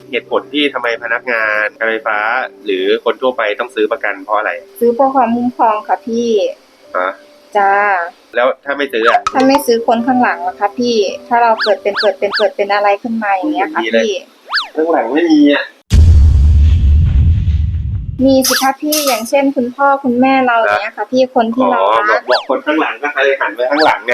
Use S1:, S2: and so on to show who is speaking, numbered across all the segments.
S1: เหตุผลที่ทำไมพนักงานการไฟฟ้าหรือคนทั่วไปต้องซื้อประกันเพราะอะไร
S2: ซื้อเพื่อความคุ้มครองค่ะพี่จ้า
S1: แล้วถ้าไม่ซื้อ
S2: ถ้าไม่ซื้อคนข้างหลังล่ะคะพี่ถ้าเราเกิดเป็นอะไรขึ้นมาอย่างเงี้ยค่ะพี่
S1: ข้างหลังไม่มีอ่ะ
S2: มีสิคะพี่อย่างเช่นคุณพ่อคุณแม่เราอย่างเงี้ยค่ะพี่คนที่เรารัก
S1: บอกคนข้างหลังก็เลยหันไปข้างหลังไง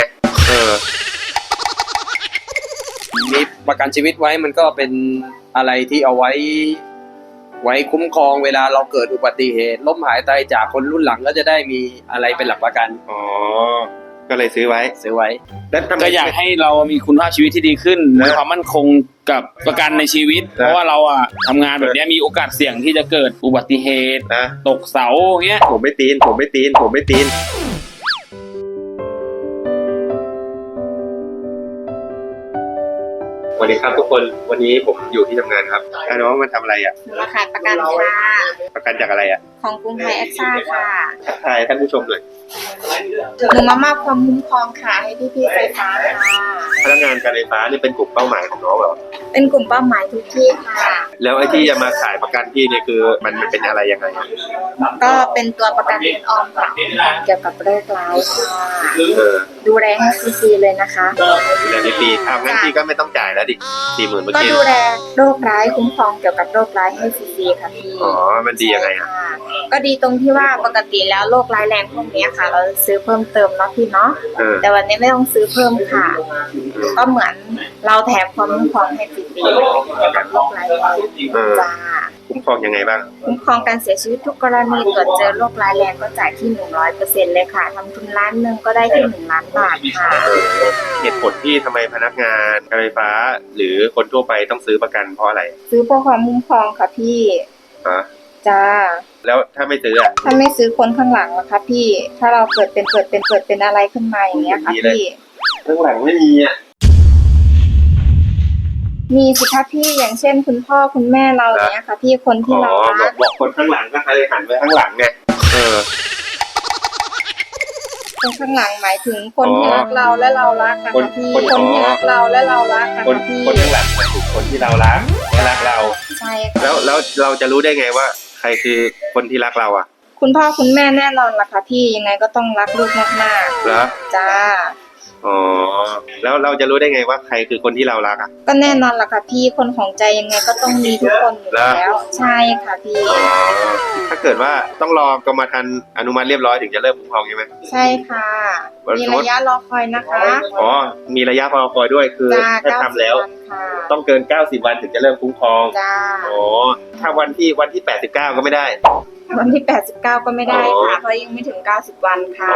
S3: มีประกันชีวิตไว้มันก็เป็นอะไรที่เอาไว้คุ้มครองเวลาเราเกิดอุบัติเหตุล้มหายตายจากคนรุ่นหลังก็จะได้มีอะไรเป็นหลักประกัน
S1: ก็เลยซื้อไว้
S3: ก็อยากให้เรามีคุณภาพชีวิตที่ดีขึ้นมีความมั่นคงกับประกันในชีวิตเพราะว่าเราทำงานแบบนี้มีโอกาสเสี่ยงที่จะเกิดอุบัติเหตุตกเสาเงี้ย
S1: ผมไม่ตีนสวัสดีครับทุกคนวันนี้ผมอยู่ที่ทำงานครับน้องมันทำอะไร
S2: มาขายประกันค่ะ
S1: ประกันจากอะไร
S2: ของกรุงไทยแอคซ่าค่ะ
S1: ทักทายท่านผู้ชมหน่อย
S2: หนูมามอบความคุ้มครองค่ะให้พี่ไฟฟ้าค่ะ
S1: พนักงานการไฟฟ้านี่เป็นกลุ่มเป้าหมายของน้องเหรอ
S2: เป็นกลุ่มเป้าหมายทุกที่ค่ะ
S1: แล้วไอ้ที่จะมาขายประกันที่นี่คือมันเป็นอะไรยังไง
S2: ก็เป็นตัวประกันเงินออมค่ะเกี่ยวกับโรคร้ายค่ะดูแลให้ฟรีเลยนะคะ
S1: ดูแลฟรีงั้นพี่ก็ไม่ต้องจ่ายแล้วดิ40,000เมื่อกี้
S2: ก็ดูแลโรคร้ายคุ้มครองเกี่ยวกับโรคร้ายให้ฟรีค่ะพี่
S1: มันดียังไง
S2: ก็ดีตรงที่ว่าปกติแล้วโรคร้ายแรงพวกนี้ค่ะเราซื้อเพิ่มเติมเนาะพี่เนาะแต่วันนี้ไม่ต้องซื้อเพิ่มค่ะก็เหมือนเราแถมความคุ้มครองให้ฟรีเกี่ยวกับโรคร้ายแรงจ้า
S1: คุ้มครองยังไงบ้าง
S2: คุ้มครองการเสียชีวิตทุกกรณีตรวจเจอโรคร้ายแรงก็จ่ายที่ 100% เลยค่ะทำทุนล้านหนึ่งก็ได้ที่1 ล้านบาทค่ะ
S1: เหตุผลที่ทำไมพนักงานการไฟฟ้าหรือคนทั่วไปต้องซื้อประกันเพราะอะไร
S2: ซื้อเพื่อความคุ้มครองค่ะพี่จ้า
S1: แล้วถ้าไม่ซื้อ
S2: ถ้าไม่ซื้อคนข้างหลังล่ะคะพี่ถ้าเราเกิดเป็นอะไรขึ้นมาอย่างเงี้ยค่ะพี่
S1: ข้างหลังไม่มี
S2: มีสิคะพี่อย่างเช่นคุณพ่อคุณแม่เราอย่างเงี้ยค่ะพี่คนที่เรารัก
S1: บอกคนข้างหลังก็เลยหันไปข้างหลังไง
S2: คนข้างหลังหมายถึงคนที่รักเราและเรารักค่ะพี่คนที่รักเราและเรารักค่ะพี่
S1: คนข้างหลังหมายถึงคนที่เรารักและรักเรา
S2: ใช่ค่ะ
S1: แล้วเราจะรู้ได้ไงว่าใครคือคนที่รักเรา
S2: คุณพ่อคุณแม่แน่นอนล่ะค่ะพี่ยังไงก็ต้องรักลูกมาก
S1: ๆเหรอ
S2: จ้า
S1: แล้วเราจะรู้ได้ไงว่าใครคือคนที่เรารัก
S2: ก็แน่นอนล่ะค่ะพี่คนของใจยังไงก็ต้องมีทุกคนอยู่แล้วใช่ค่ะพี่
S1: ถ้าเกิดว่าต้องรอกรมธรรม์อนุมัติเรียบร้อยถึงจะเริ่มคุ้มครองใช่ไหม
S2: ใช่ค่ะมีระยะรอคอยนะคะ
S1: มีระยะรอคอยด้วยคือถ้าทำแล้วต้องเกิน90 วันถึงจะเริ่มคุ้มครองถ้าวันที่89ก็ไม่ได้
S2: วันที่89ก็ไม่ได้ค่ะเพราะยังไม่ถึง90 วันค่ะ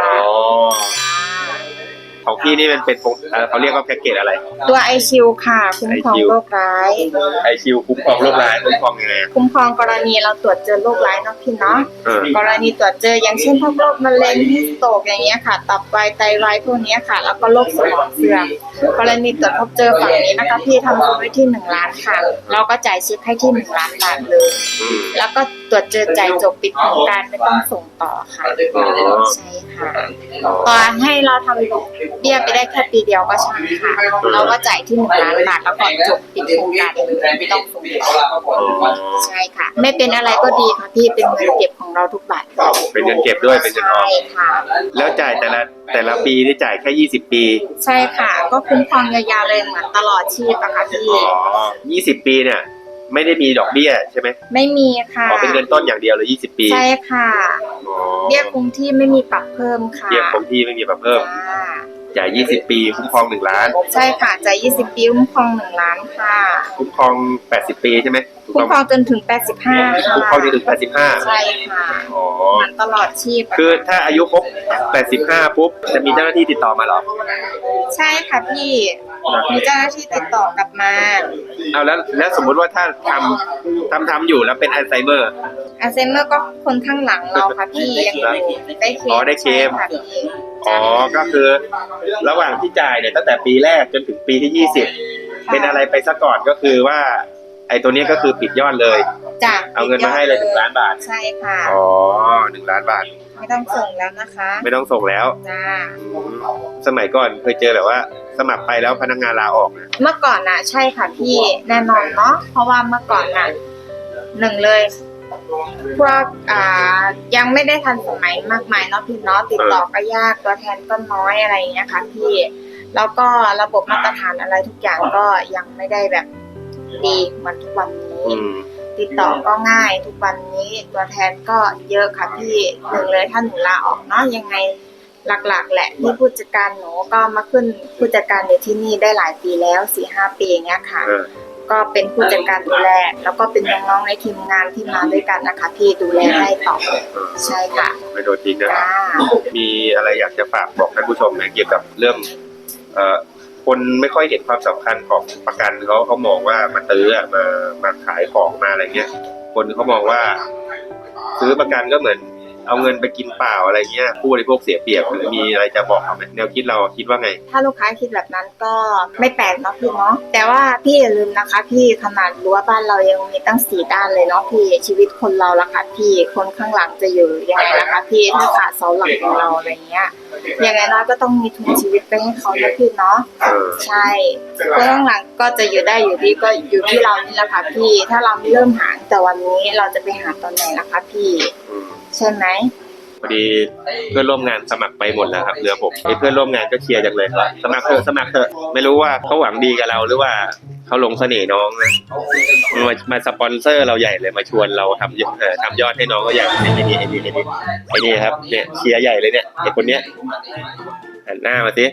S1: ของพี่นี่มันเป็นเขาเรียกว่าแพ็กเกจอะไร
S2: ตัวไอชิวค่ะคุ้มครองโรคร้าย
S1: ไอชิวคุ้มครองโรคร้ายคุ้มครองยังไง
S2: คุ้มครองกรณีเราตรวจเจอโรคร้ายเนาะพี่เนาะกรณีตรวจเจออย่างเช่นพวกโรคมะเร็งฮิสโตกอย่างเงี้ยค่ะตับวายไตวายพวกนี้ค่ะแล้วก็โรคสมองเสื่อมกรณีตรวจพบเจอฝั่งนี้นะคะพี่ทำทุนไว้ที่1 ล้านค่ะเราก็จ่ายเช็คให้ที่1 ล้านบาทเลยแล้วก็ตรวจเจอจ่ายจบปิดโครงการไม่ต้องส่งต่อค่ะใช่ค่ะต่อให้เราทำเบี้ยไปได้แค่ปีเดียวก็ใช่ค่ะเราก็จ่ายที่1 ล้านบาทแล้วก็จบปิดโครงการเลยไม่ต้องส่งต่อใช่ค่ะไม่เป็นอะไรก็ดีค่ะพี่เป็นเงินเก็บของเราทุกบาท
S1: เป็นเงินเก็บด้วยเป็นเงินออม
S2: ใช่ค่ะ
S1: แล้วจ่ายแต่ละปีนี่จ่ายแค่20 ปี
S2: ใช่ค่ะก็คุ้มครองยาวๆเลยเหมือนตลอดชีพอะค่ะ
S1: พี่20 ปีเนี่ยไม่ได้มีดอกเบี้ยใช่ไหม
S2: ไม่มีค่ะ
S1: เป็นเงินต้นอย่างเดียวเลย20 ปี
S2: ใช่ค่ะเบี้ยคงที่ไม่มีปรับเพิ่มค่ะ
S1: เบี้ยคงที่ไม่มีปรับเพิ่มจ่าย20 ปีคุ้มครอง1 ล้าน
S2: ใช่ค่ะจ่าย20 ปีคุ้มครอง1 ล้านค่ะ
S1: คุ้มครอง80 ปีใช่ไหม
S2: คุ้มครองจนถึง85ค่ะ
S1: คุ้มครองจนถึง85
S2: ใช่ค่ะมันตลอดชีพ
S1: คือถ้าอายุครบ85ปุ๊บจะมีเจ้าหน้าที่ติดต่อมาหรอ
S2: ใช่ค่ะพี่มีเจ้าหน้าที่ติดต่อกลับมา
S1: เอาแล้วสมมุติว่าถ้าทำอยู่แล้วเป็นอัลไซเมอร์
S2: ก็คนข้างหลังเราค่ะพี่ยัง
S1: ได้เคลมก็คือระหว่างที่จ่ายเนี่ยตั้งแต่ปีแรกจนถึงปีที่20เป็นอะไรไปซะก่อนก็คือว่าไอ้ตัวนี้ก็คือปิดยอดเลย
S2: จ้ะ
S1: เอาเงินมาให้เลย1 ล้านบาท
S2: ใช่ค่ะ
S1: อ๋อ1 ล้านบาท
S2: ไม่ต้องส่งแล้วนะคะ
S1: ไม่ต้องส่งแล้ว
S2: จ้า
S1: สมัยก่อนเคยเจอแบบว่าสมัครไปแล้วพนักงานลาออกนะ
S2: เมื่อก่อนน่ะใช่ค่ะพี่แน่นอนเนาะเพราะว่าเมื่อก่อนน่ะหนึ่งเลยพวกยังไม่ได้ทันสมัยมากมายเนาะพี่เนาะติดต่อก็ยากตัวแทนก็น้อยอะไรอย่างเงี้ยค่ะพี่แล้วก็ระบบมาตรฐานอะไรทุกอย่างก็ยังไม่ได้แบบดีเหมือนทุกวันนี้ ติดต่อก็ง่ายทุกวันนี้ตัวแทนก็เยอะค่ะพี่หนึ่งเลยถ้าหนูลาออกเนาะยังไงหลักๆแหละที่ผู้จัดการหนูก็มาขึ้นผู้จัดการอยู่ที่นี่ได้หลายปีแล้ว 4-5 ปีอย่างเงี้ยค่ะก็เป็นผู้จัดการดูแลแล้วก็เป็นน้องๆในทีมงานที่มาด้วยกันนะคะพี่ดูแลได้ต่อใช่ค่ะ
S1: ไม่โดนทิ้งนะ
S2: จ้า
S1: มีอะไรอยากจะฝากบอกท่านผู้ชมไหมเกี่ยวกับเรื่องคนไม่ค่อยเห็นความสำคัญของประกันเขามองว่ามาตื้อมาขายของมาอะไรเงี้ยคนเขามองว่าซื้อประกันก็เหมือนเอาเงินไปกินเปล่าอะไรเงี้ยผู้บริโภคเสียเปรียบหรือมีอะไรจะบอกเขาไหมแนวคิดเราคิดว่าไง
S2: ถ้าลูกค้าคิดแบบนั้นก็ไม่แปลกเนาะพี่เนาะแต่ว่าพี่อย่าลืมนะคะพี่ขนาดรั้วบ้านเรายังมีตั้ง4 ด้านเลยเนาะพี่ชีวิตคนเราละค่ะพี่คนข้างหลังจะอยู่ยังไงนะคะพี่ถ้าขาดเสาหลักของเราอะไรเงี้ยยังไงน้อยก็ต้องมีทุนชีวิตไปให้เขานะพี่เนาะใช่คนข้างหลังก็จะอยู่ได้อยู่ดีก็อยู่ที่เรานี่แหละค่ะพี่ถ้าเราไม่เริ่มหาแต่วันนี้เราจะไปหาตอนไหนล่ะคะพี่ใช่ไหม
S1: พอดีเพื่อนร่วมงานสมัครไปหมดแล้วครับเหลือผมไอ้เพื่อนร่วมงานก็เชียร์จังเลยครับสมัครเถอะสมัครเถอะไม่รู้ว่าเขาหวังดีกับเราหรือว่าเขาหลงเสน่ห์น้องนะมาสปอนเซอร์เราใหญ่เลยมาชวนเราทำยอดให้น้องก็ใหญ่ไอ้นี่ครับเนี่ยเชียร์ใหญ่เลยเนี่ยไอ้คนเนี้ยหันหน้ามาสิ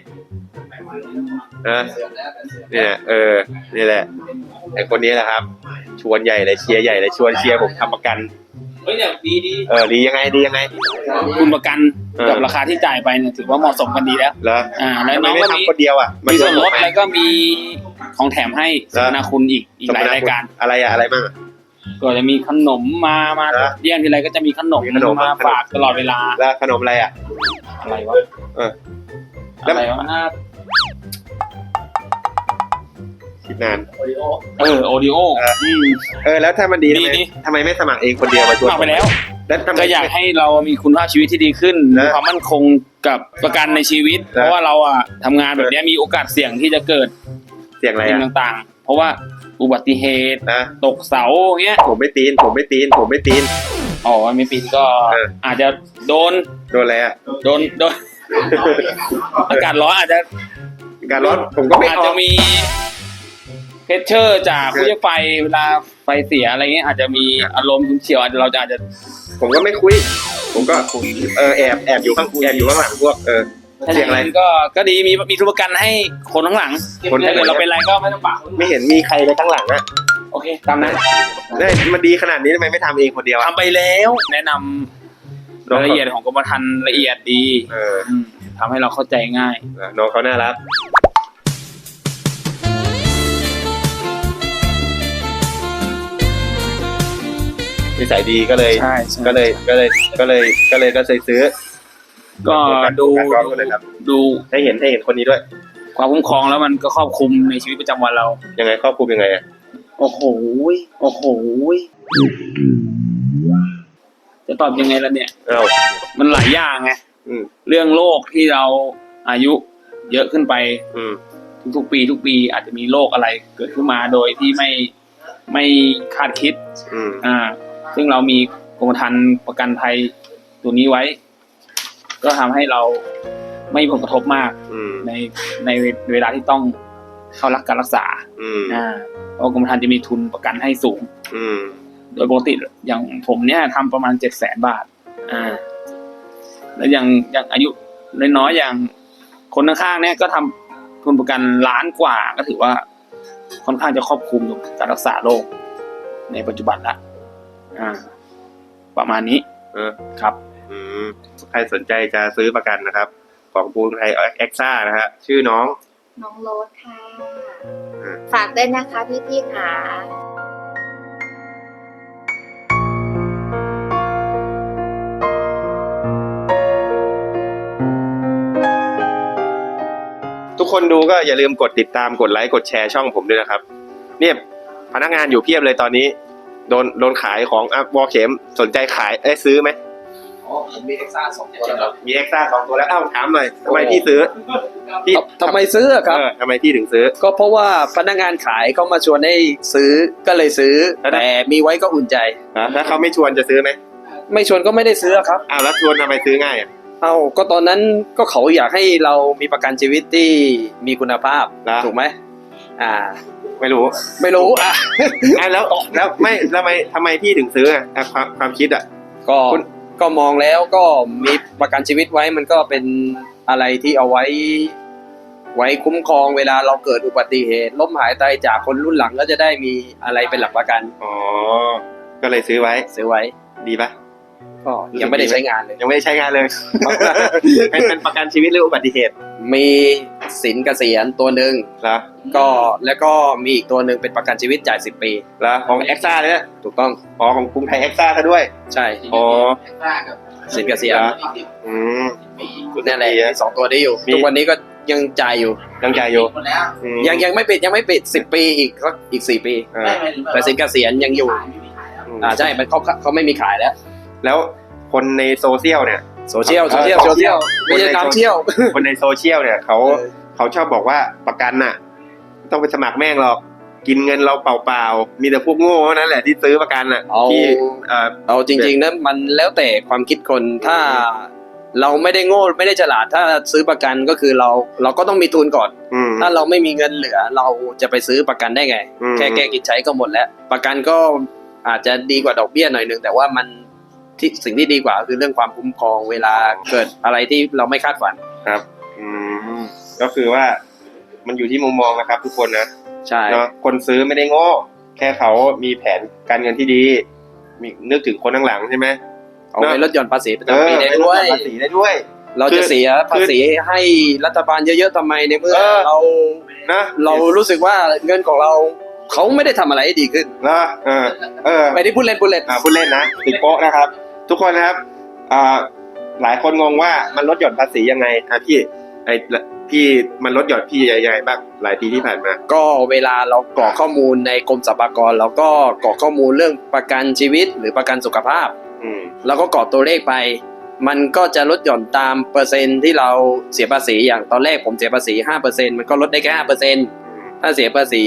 S1: เนี่ยนี่แหละไอ้คนนี้แหละครับชวนใหญ่เลยเชียร์ใหญ่เลยชวนเชียร์ผมทำประกัน
S3: เนี่ยดี
S1: ดียังไง
S3: คุณประกันกับราคาที่จ่ายไปเนี่ยถือว่าเหมาะสมกันดีแล้ว
S1: เหรอ
S3: แล้วน้องก็มี
S1: คนเดียว
S3: มีส่วนลดแล้วก็มีของแถมให้สมนาคุณอีกหลายรายการ
S1: อะไรบ้าง
S3: ก็จะมีขนมมาเยี่ยมทีไรก็จะมีขนมมาฝากตลอดเวลา
S1: แล้วขนมอะไร
S3: อะไรวะอะไรวะ
S1: คิดนาน
S3: โอริโอ
S1: แล้วถ้ามันดีทำไมไม่สมัครเองคนเดียวมาชวน
S3: ไปแล้วก็อยากให้เรามีคุณภาพชีวิตที่ดีขึ้นมีความมั่นคงกับประกันในชีวิตเพราะว่าเราทำงานแบบนี้มีโอกาสเสี่ยงที่จะเกิด
S1: เสี่ยงอะไร
S3: ต่างๆเพราะว่าอุบัติเหตุตกเสาเงี้ย
S1: ผมไม่ตีนอ๋อไม่ปีน
S3: ก็อาจจะโดน
S1: อะไร
S3: โดนอากาศร้อนอาจจะ
S1: ผมก็ไม่
S3: อาจจะมีเพชเชอร์จากผู้ใช้ไฟเวลาไฟเสียอะไรเงี้ยอาจจะมีอารมณ์ฉุนเฉียวเราอาจจะ
S1: ผมก็ไม่คุยผมก็แอบอยู่ข้างหลังพวกเสียงอะไร
S3: ก็ดีมีทุนประกันให้คนข้างหลังคนถ้าเกิดเราเป็นอะไรก็ไม่ต้องปาก
S1: ไม่เห็นมีใครเลยข้างหลัง
S3: โอเคตามนั้น
S1: มันดีขนาดนี้ทำไมไม่ทำเองคนเดียว
S3: ทำไปแล้วแนะนำรายละเอียดของกรมธรรม์ละเอียดดีทำให้เราเข้าใจง่าย
S1: น้องเขาน่ารักนิสัยดีก็เลยซื้อ
S3: ก็ดู
S1: ให้เห็นคนนี้ด้วย
S3: ความคุ้มครองแล้วมันก็ครอบคลุมในชีวิตประจำวันเรา
S1: ยังไงครอบคลุมยังไง
S3: โอ้โหจะตอบยังไงล่ะเนี่ยมันหลายอย่างไงเรื่องโรคที่เราอายุเยอะขึ้นไปทุกปีอาจจะมีโรคอะไรเกิดขึ้นมาโดยที่ไม่คาดคิดซึ่งเรามีกรมธรรม์ประกันภัยตัวนี้ไว้ก็ทำให้เราไม่มีผลกระทบมากในเวลาที่ต้องเข้ารับการรักษาเพราะกรมธรรม์จะมีทุนประกันให้สูงโดยปกติอย่างผมเนี่ยทำประมาณ 700,000 บาทแล้วอย่างอายุน้อยๆอย่างคนข้างๆเนี่ยก็ทำทุนประกัน1 ล้านกว่าก็ถือว่าค่อนข้างจะครอบคลุมการรักษาโรคในปัจจุบันละประมาณนี้ครับ
S1: ใครสนใจจะซื้อประกันนะครับของปูนไทยเอ็กซ่านะฮะชื่อน้อง
S2: โรสค่ะฝากด้วยนะคะพี่ๆค่ะ
S1: ทุกคนดูก็อย่าลืมกดติดตามกดไลค์กดแชร์ช่องผมด้วยนะครับเนี่ยนักงานอยู่เพียบเลยตอนนี้โดนขายของวอลเข็มสนใจขายซื้อไหม
S3: อ๋อผมมีเอ็กซ่า2 ตัวแล้ว
S1: มีเอ็กซ่า2 ตัวแล้วถามหน่อยทำไมพี่ซื้อพี่
S4: ทำไมซื้อครับ
S1: ทำไมพี่ถึงซื้อ
S4: ก็เพราะว่าพนักงานขายเขามาชวนให้ซื้อก็เลยซื้อแต่มีไว้ก็อุ่นใจ
S1: ถ้าเขาไม่ชวนจะซื้อไหม
S4: ไม่ชวนก็ไม่ได้ซื้อครับ
S1: แล้วชวนทำไมซื้อง่าย
S4: ก็ตอนนั้นก็เขาอยากให้เรามีประกันชีวิตที่มีคุณภาพถูกไหม
S1: ไม่รู้แล้วไม่ทำไมพี่ถึงซื้อความคิด
S4: ก็มองแล้วก็มีประกันชีวิตไว้มันก็เป็นอะไรที่เอาไว้คุ้มครองเวลาเราเกิดอุบัติเหตุล้มหายตายจากคนรุ่นหลังก็จะได้มีอะไรเป็นหลักประกัน
S1: ก็เลยซื้อไว้ดีปะ
S4: ก็ยังไม่ได้ใช้งานเลย
S1: ยังไม่ได้ใช้งานเลยเป็นประกันชีวิตหรืออุบัติเหตุ
S4: มีสินเกษียณตัวหนึ่งแล้วก็มีอีกตัวหนึ่งเป็นประกันชีวิตจ่าย10 ปี
S1: แล้วของเอ็กซ่าเนี่ย
S4: ถูกต้อง
S1: ของกรุงไทยเอ็กซ่าซะด้วย
S4: ใช่สินเกษียณนั่นแหละ2 ตัวนี้อยู่ทุกวันนี้ก็ยังจ่ายอยู่ยังไม่ปิด10 ปีอีก4 ปีแต่สินเกษียณยังอยู่ใช่มันเขาไม่มีขาย
S1: แล้วคนในโซเชียลเนี่ย
S4: โซเชียลไม่ใช่ตามเที่ยว
S1: คนในโซเชียลเนี่ยเขาชอบบอกว่าประกันน่ะต้องไปสมัครแม่งหรอกกินเงินเราเปล่าๆมีแต่พวกโง่เท่านั้นแหละที่ซื้อประกันน่ะที่
S4: เอาจริงๆนะมันแล้วแต่ความคิดคนถ้าเราไม่ได้โง่ไม่ได้ฉลาดถ้าซื้อประกันก็คือเราก็ต้องมีทุนก่อนถ้าเราไม่มีเงินเหลือเราจะไปซื้อประกันได้ไงแค่แก้กินใช้ก็หมดแล้วประกันก็อาจจะดีกว่าดอกเบี้ยหน่อยนึงแต่ว่ามันที่สิ่งที่ดีกว่าคือเรื่องความคุ้มครองเวลาเกิดอะไรที่เราไม่คาดฝัน
S1: ครับก็คือว่ามันอยู่ที่มุมมองนะครับทุกคนนะ
S4: ใช่
S1: เนาะคนซื้อไม่ได้โง่แค่เขามีแผนการเงินที่ดีมีนึกถึงคนข้างหลังใช่ไหม
S4: เอาไปลดหย่อนภาษีประจำปีได้
S1: ด้วย
S4: เราจะเสียภาษีให้รัฐบาลเยอะๆทำไมในเมื่อเรารู้สึกว่าเงินของเราเขาไม่ได้ทำอะไรให้ดีขึ้นไม่ได้พูดเล่น
S1: พูดเล่นนะติดโป๊ะนะครับทุกคนนะครับหลายคนงงว่ามันลดหย่อนภาษียังไงพี่มันลดหย่อนพี่ยังไงบ้างหลายปีที่ผ่านมา
S4: ก็เวลาเรากรอกข้อมูลในกรมสรรพากรเราก็กรอกข้อมูลเรื่องประกันชีวิตหรือประกันสุขภาพแล้วก็กรอกตัวเลขไปมันก็จะลดหย่อนตามเปอร์เซ็นต์ที่เราเสียภาษีอย่างตอนแรกผมเสียภาษี 5% มันก็ลดได้แค่ 5% ถ้าเสียภาษี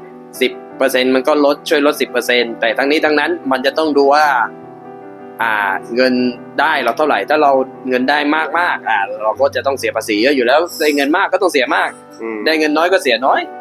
S4: 10% มันก็ช่วยลด 10% แต่ทั้งนี้ทั้งนั้นมันจะต้องดูว่าเงินได้เราเท่าไหร่ถ้าเราเงินได้มากเราก็จะต้องเสียภาษีเยอะอยู่แล้วได้เงินมากก็ต้องเสียมากได้เงินน้อยก็เสียน้อย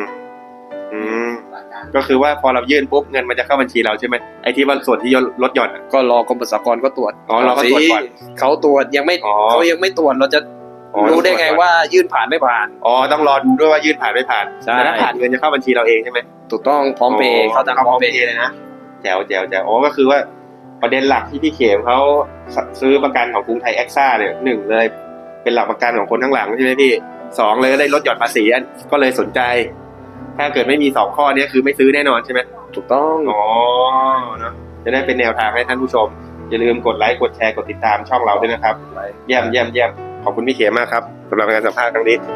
S1: ก็คือว่าพอเรายื่นปุ๊บเงินมันจะเข้าบัญชีเราใช่ไหมไอ้ที่ว่าส่วนที่ลดหย่อน
S4: ก็รอกรมสรรพากรก็ตรวจ
S1: เราก็ตรวจก่อน
S4: เขาตรวจยังไม่เขายังไม่ตรวจเราจะรู้ได้ไงว่ายื่นผ่านไม่ผ่าน
S1: ต้องรอดูด้วยว่ายื่นผ่านไม่ผ่านแต่ถ้าผ่านเงินจะเข้าบัญชีเราเองใช่ไหม
S4: ถูกต้องพร้อมเพย์เขาทางพร้อมเพย์
S1: เลยนะแจ๋วก็คือว่าประเด็นหลักที่พี่เขมเขาซื้อประกันของกรุงไทยเอ็กซ่าเนี่ย1เลยเป็นหลักประกันของคนทั้งหลังใช่ไหมพี่2เลยได้ลดหย่อนภาษีก็เลยสนใจถ้าเกิดไม่มี2ข้อนี้คือไม่ซื้อแน่นอนใช่ไหม
S4: ถูกต้อง
S1: เนาะจะได้เป็นแนวทางให้ท่านผู้ชมอย่าลืมกดไลค์กดแชร์กดติดตามช่องเราด้วยนะครับเยี่ยมขอบคุณพี่เขมมากครับสำหรับการสัมภาษณ์ครั้งนี้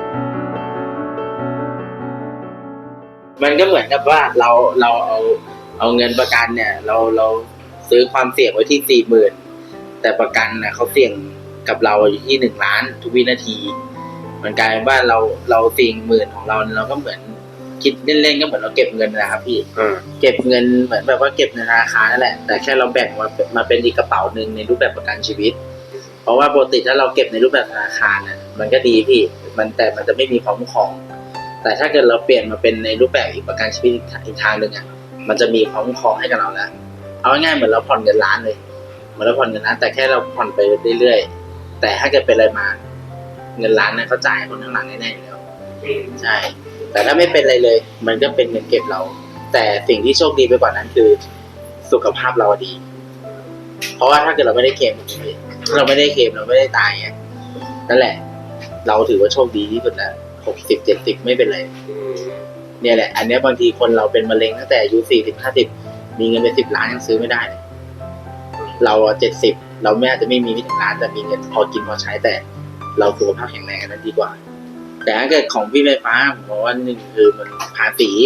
S5: มันก็เหมือนกับว่าเราเอาเงินประกันเนี่ยเราซื้อความเสี่ยงไว้ที่40,000แต่ประกันนะเขาเสี่ยงกับเราอยู่ที่1 ล้านทุกวินาทีมันกลายเป็นว่าเรา40,000ของเราก็เหมือนคิดเล่นๆก็เหมือนเราเก็บเงินนะครับพี่เก็บเงินเหมือนแบบว่าเก็บในธนาคารนั่นแหละแต่แค่เราแบ่งมาเป็นอีกกระเป๋านึงในรูปแบบประกันชีวิตเพราะว่าปกติถ้าเราเก็บในรูปแบบธนาคารน่ะมันก็ดีพี่แต่มันจะไม่มีความคุ้มครองแต่ถ้าเกิดเราเปลี่ยนมาเป็นในรูปแบบอีกประกันชีวิตอีกทางนึงอ่ะมันจะมีความคุ้มครองให้กับเราแล้วเอาง่ายๆเหมือนเราผ่อนเงินล้านเลยเหมือนเราผ่อนเงินล้านแต่แค่เราผ่อนไปเรื่อยๆแต่ถ้าเกิดเป็นอะไรมาเงินล้านนั้นเขาจ่ายคนข้างหลังแน่ๆอยู่แล้วใช่แต่ถ้าไม่เป็นอะไรเลยมันก็เป็นเงินเก็บเราแต่สิ่งที่โชคดีไปกว่านั้นคือสุขภาพเราดีเพราะว่าถ้าเกิดเราไม่ได้เคลมเราไม่ได้ตายนั่นแหละเราถือว่าโชคดีที่สุดแล้ว60-70ไม่เป็นไรเนี่ยแหละอันนี้บางทีคนเราเป็นมะเร็งตั้งแต่อายุ40-50มีเงินเป็น10 ล้านยังซื้อไม่ได้เลยเรา70เราไม่อาจจะไม่มีถึงล้านแต่มีเงินพอกินพอใช้แต่เราสุขภาพแข็งแรงนั้นดีกว่าแต่ถ้าเกิดของพี่ไฟฟ้าผมว่า1คือมันภาษี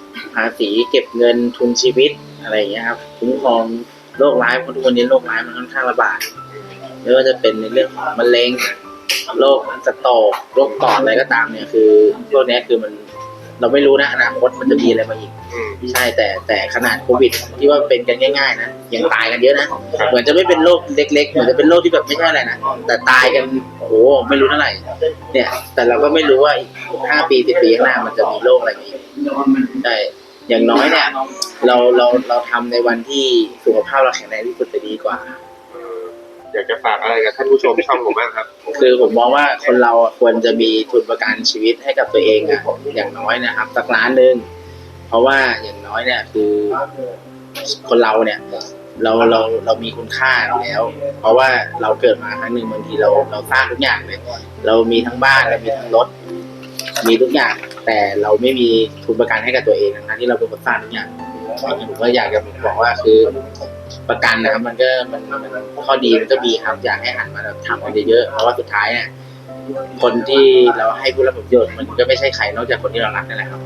S5: ภาษีเก็บเงินทุนชีวิตอะไรอย่างเงี้ยครับคุ้มครองโรคร้ายเพราะทุกวันนี้โรคร้ายมันค่อนข้างระบาดไม่ว่าจะเป็นในเรื่องของมะเร็งโรคสโตรกโรคปอดอะไรก็ตามเนี่ยคือพวกนี้คือมันเราไม่รู้นะอนาคตมันจะมีอะไรมาอีกใช่แต่ขนาดโควิดที่ว่าเป็นกันง่ายๆนะยังตายกันเยอะนะเหมือนจะไม่เป็นโรคเล็กๆเหมือนจะเป็นโรคที่แบบไม่ใช่อะไรนะแต่ตายกันโอ้โหไม่รู้เท่าไหร่เนี่ยแต่เราก็ไม่รู้ว่าอีก5 ปี 10 ปีข้างหน้ามันจะมีโรคอะไรมาอีกใช่อย่างน้อยเนี่ยเราทำในวันที่สุขภาพเราแข็งแรงที่สุดจะดีกว่า
S1: อยากจะฝากอะไรกับท่านผู้ชมช่องผมบ้างครับ
S5: คือผมมองว่าคนเราควรจะมีทุนประกันชีวิตให้กับตัวเองอ่ะอย่างน้อยนะครับสัก1 ล้านเพราะว่าอย่างน้อยเนี่ยคือคนเราเนี่ยเรามีคุณค่าแล้ว เพราะว่าเราเกิดมาครั้งหนึ่งบางทีเราสร้างทุกอย่างเลยเรามีทั้งบ้านเรามีทั้งรถมีทุกอย่างแต่เราไม่มีทุนประกันให้กับตัวเองทั้งที่เราเป็นคนสร้างทุกอย่างผมก็อยากจะบอกว่าคือประกันนะครับมันข้อดีมันก็มีครับอยากให้หันมาทำกันเยอะๆเพราะว่าสุดท้ายเนี่ยคนที่เราให้ผู้รับผลประโยชน์มันก็ไม่ใช่ใครนอกจากคนที่เรารักนั่นแหละครับ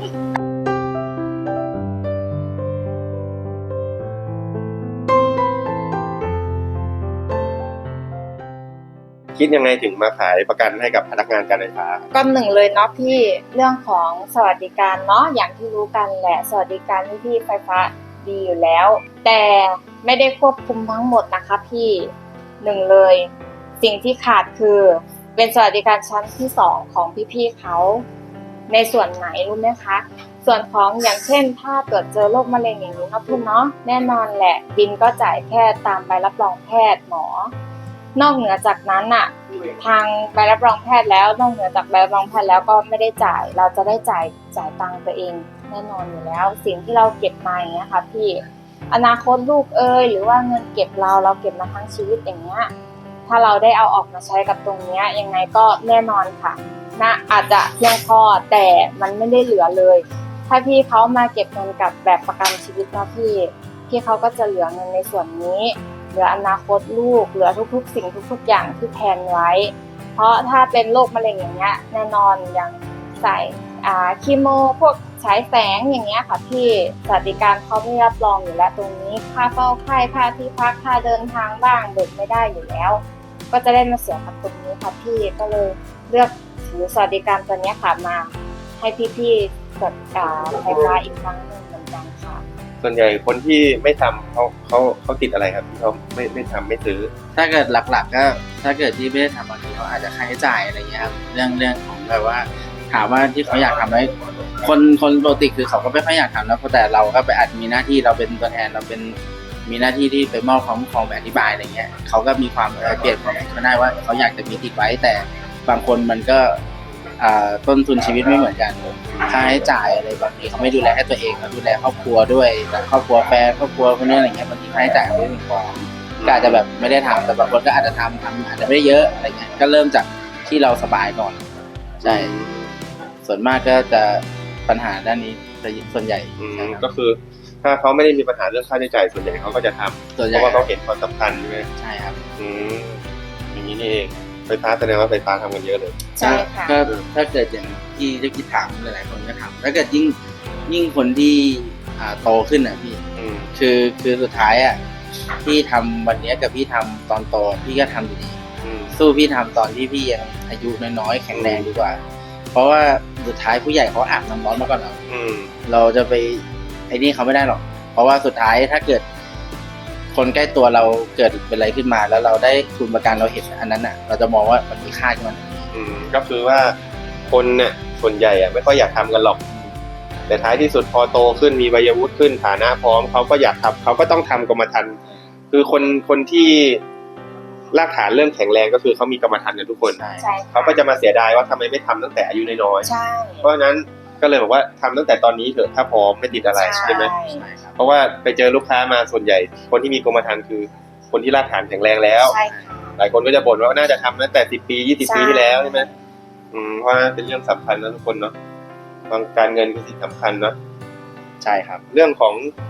S1: คิดยังไงถึงมาขายประกันให้กับพนักงานการไฟฟ้า
S2: ก็หนึ่งเลยเนาะพี่เรื่องของสวัสดิการเนาะอย่างที่รู้กันแหละสวัสดิการที่ไฟฟ้าดีอยู่แล้วแต่ไม่ได้ควบคุมทั้งหมดนะคะพี่หนึ่งเลยสิ่งที่ขาดคือเป็นสวัสดิการชั้นที่2ของพี่ๆเขาในส่วนไหนรู้ไหมคะส่วนของอย่างเช่นถ้าตรวจเจอโรคมะเร็งอย่างนี้เนาะพี่เนาะแน่นอนแหละบินก็จ่ายแค่ตามใบรับรองแพทย์หมอนอกเหนือจากนั้นอะทางใบรับรองแพทย์แล้วนอกเหนือจากใบรับรองแพทย์แล้วก็ไม่ได้จ่ายเราจะได้จ่ายตังค์ตัวเองแน่นอนอยู่แล้วสิ่งที่เราเก็บมาอย่างเงี้ยค่ะพี่อนาคตลูกหรือว่าเงินเก็บเราเก็บมาทั้งชีวิตอย่างเงี้ยถ้าเราได้เอาออกมาใช้กับตรงเนี้ยยังไงก็แน่นอนค่ะนะอาจจะเพียงพอแต่มันไม่ได้เหลือเลยถ้าพี่เขามาเก็บเงินกับแบบประกันชีวิตนะพี่เขาก็จะเหลือเงินในส่วนนี้เหลืออนาคตลูกเหลือทุกๆสิ่งทุกๆอย่างที่แพลนไว้เพราะถ้าเป็นโรคมะเร็งอย่างเงี้ยแน่นอนอย่างใส่คีโมพวกฉายแสงอย่างเงี้ยค่ะพี่สวัสดิการเขาไม่รับรองอยู่แล้วตรงนี้ค่าเฝ้าไข้ค่าที่พักค่าเดินทางบ้างเบิกไม่ได้อยู่แล้วก็จะได้มาเสียกับตรงนี้ค่ะพี่ก็เลยเลือกถือสวัสดิการตัวนี้ค่ะมาให้พี่ๆกดไฟฟ้าอีกครั้งหนึ่งเหมือนกันค่ะ
S1: ส่วนใหญ่คนที่ไม่ทำเขาติดอะไรครับที่เขาไม่ทำไม่ซื้อ
S5: ถ้าเกิดหลักๆก็ถ้าเกิดที่ไม่ได้ทำบางทีเขาอาจจะค่าใช้จ่ายอะไรเงี้ยครับเรื่องของแบบว่าถามว่าที่เขาอยากทำไหมคนปกติคือเขาก็ไม่ค่อยอยากทำแล้วแต่เราก็ไปอาจมีหน้าที่เราเป็นตัวแทนเราเป็นมีหน้าที่ที่ไปมอบความคุ้มครองแบบอธิบายอะไรเงี้ยเขาก็มีความเปลี่ยนความคิดได้ว่าเขาอยากจะมีติดไว้แต่บางคนมันก็ต้นทุนชีวิตไม่เหมือนกันค่าใช้จ่ายอะไรบางทีเขาไม่ดูแลให้ตัวเองเขาดูแลครอบครัวด้วยแต่ครอบครัวแฟนครอบครัวคนนี้อะไรเงี้ยบางทีค่าใช้จ่ายไม่เพียงพอก็อาจจะแบบไม่ได้ทำแต่บางคนก็อาจจะทำอาจจะไม่ได้เยอะอะไรเงี้ยก็เริ่มจากที่เราสบายก่อนใช่ส่วนมากก็จะปัญหาด้านนี้ส่วนใหญ่
S1: ก็คือถ้าเขาไม่ได้มีปัญหาเรื่องค่าใช้จ่ายส่วนใหญ่เขาก็จะทำเพราะว่าเขาเห็นความสำคัญใช่ไหม
S5: ใช่ครับ
S1: อย่างนี้นี่เองไฟฟ้าแสดงว่าไฟฟ้าทำกันเยอะเลย
S2: ใช่ค่ะ
S5: ก็ถ้าเกิดอย่างที่ได้คิดถามหลายๆคนก็ทำถ้าเกิดยิ่งคนที่โตขึ้นอ่ะพี่คือสุดท้ายอ่ะพี่ทำวันนี้กับพี่ทำตอนโตพี่ก็ทำอยู่ดีสู้พี่ทำตอนที่พี่ยังอายุน้อยๆแข็งแรงดีกว่าเพราะว่าสุดท้ายผู้ใหญ่เขาอาบน้ำร้อนมาก่อนเราจะไปไอ้นี่เขาไม่ได้หรอกเพราะว่าสุดท้ายถ้าเกิดคนใกล้ตัวเราเกิดเป็นอะไรขึ้นมาแล้วเราได้ทุนประกันเราเห็นอันนั้นอ่ะเราจะมองว่ามันมีค่าที่มัน
S1: ก็คือว่าคนเนี่ยส่วนใหญ่อ่ะไม่ค่อยอยากทำกันหรอกแต่ท้ายที่สุดพอโตขึ้นมีวัยวุฒิขึ้นฐานะพร้อมเขาก็อยากทำเขาก็ต้องทำกรมธรรม์คือคนที่รากฐานเริ่มแข็งแรงก็คือเขามีกรรมธรรม์กันทุกคนเขาก็จะมาเสียดายว่าทำไมไม่ทำตั้งแต่อายุน้อยๆเพราะฉะนั้นก็เลยบอกว่าทำตั้งแต่ตอนนี้เถอะถ้าพร้อมไม่ติดอะไรใช่ไหมเพราะว่าไปเจอลูกค้ามาส่วนใหญ่คนที่มีกรมธรรม์คือคนที่รากฐานแข็งแรงแล้วหลายคนก็จะบ่นว่าน่าจะทำตั้งแต่10 ปี20 ปีที่แล้วใช่ไหมเพราะเป็นเรื่องสำคัญนะทุกคนเนาะการเงินคือสิ่งสำคัญเนาะ
S5: ใช่ครับ
S1: เรื่องของ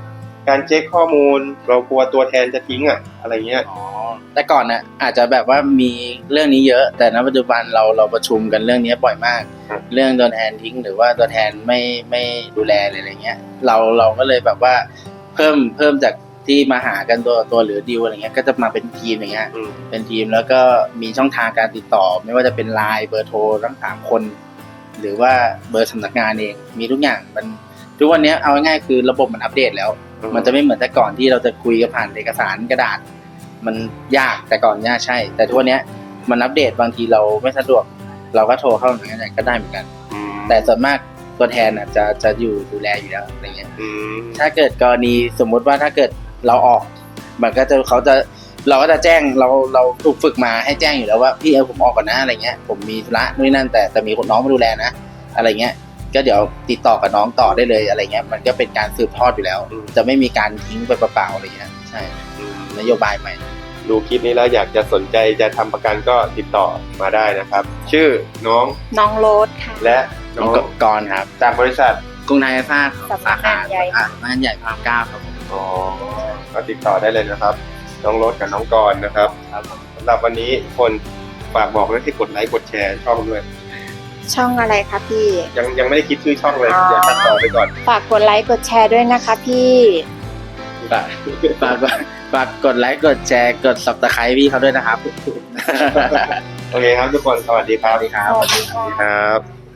S1: การเช็คข้อมูลเรากลัวตัวแทนจะทิ้งอะอะไรเงี้ย
S5: อ๋อแต่ก่อนน่ะอาจจะแบบว่ามีเรื่องนี้เยอะ แต่ณปัจจุบันเราประชุมกันเรื่องนี้บ่อยมาก
S1: ครับ
S5: เรื่องตัวแทนทิ้งหรือว่าตัวแทนไม่ดูแลอะไรเงี้ยเราก็เลยแบบว่าเพิ่มจากที่มาหากันตัวหรือดีลอะไรเงี้ยก็จะมาเป็นทีมอย่างเงี้ย เป็นทีมแล้วก็มีช่องทางการติดต่อ ไม่ว่าจะเป็นไลน์เบอร์โทรทั้ง3 คน หรือว่าเบอร์สำนักงานเองมีทุกอย่างมันทุกวันนี้เอาง่ายๆคือระบบมันอัปเดตแล้ว มันจะไม่เหมือนแต่ก่อนที่เราจะคุยกันผ่านเอกสารกระดาษ มันยากแต่ก่อนยากใช่ แต่ทุกวันนี้มันอัปเดตบางทีเราไม่สะดวก เราก็โทรเข้าหน่วยงานก็ได้เหมือนกัน แต่ส่วนมากตัวแทนน่ะจะอยู่ดูแลอยู่แล้วอะไรเงี้ยถ้าเกิดกรณีสมมุติว่าถ้าเกิดเราออกมันก็จะเราก็จะแจ้งเราถูกฝึกมาให้แจ้งอยู่แล้วว่าพี่ผมออกก่อนนะอะไรเงี้ยผมมีธุระนู่นนั่นแต่มีคนน้องมาดูแลนะอะไรเงี้ยก็เดี๋ยวติดต่อกับน้องต่อได้เลยอะไรเงี้ยมันก็เป็นการสืบทอดอยู่แล้ว จะไม่มีการทิ้งไปเปล่าๆอะไรเงี้ยใช่นโยบายใหม่
S1: ดูคลิปนี้แล้วอยากจะสนใจจะทำประกันก็ติดต่อมาได้นะครับ ชื่อน้อง
S2: น้องโรสค่ะ
S1: และ
S5: น้
S1: น้
S5: อ
S1: อง ง
S5: กรครับ
S1: จากบริษัท
S5: กรุงไทยไฟฟ้า
S2: สำนักงานใหญ่
S5: สำนักงานใหญ่พระราม9ครับผม
S1: อ๋อก็ติดต่อได้เลยนะครับ น้องรถกับน้องกรณ์นะครับสำหรับวันนี้คนฝากบอกให้กดไลค์กดแชร์ช่องด้วย
S2: ช่องอะไรคะพี่
S1: ยังไม่ได้คิดชื่อช่องเลย
S2: อ๋อ
S1: เดี๋ยวตัดต่อไปก่อน
S2: ฝากกดไลค์กดแชร์ด้วยนะคะพี่
S5: ฝากกดไลค์กดแชร์กด Subscribe พี่เขาด้วยนะครับ
S1: โอเคครับทุกคนสวัสดีครับ
S5: สวัสดีครับ
S2: สวัสดีค่ะ
S1: ครับ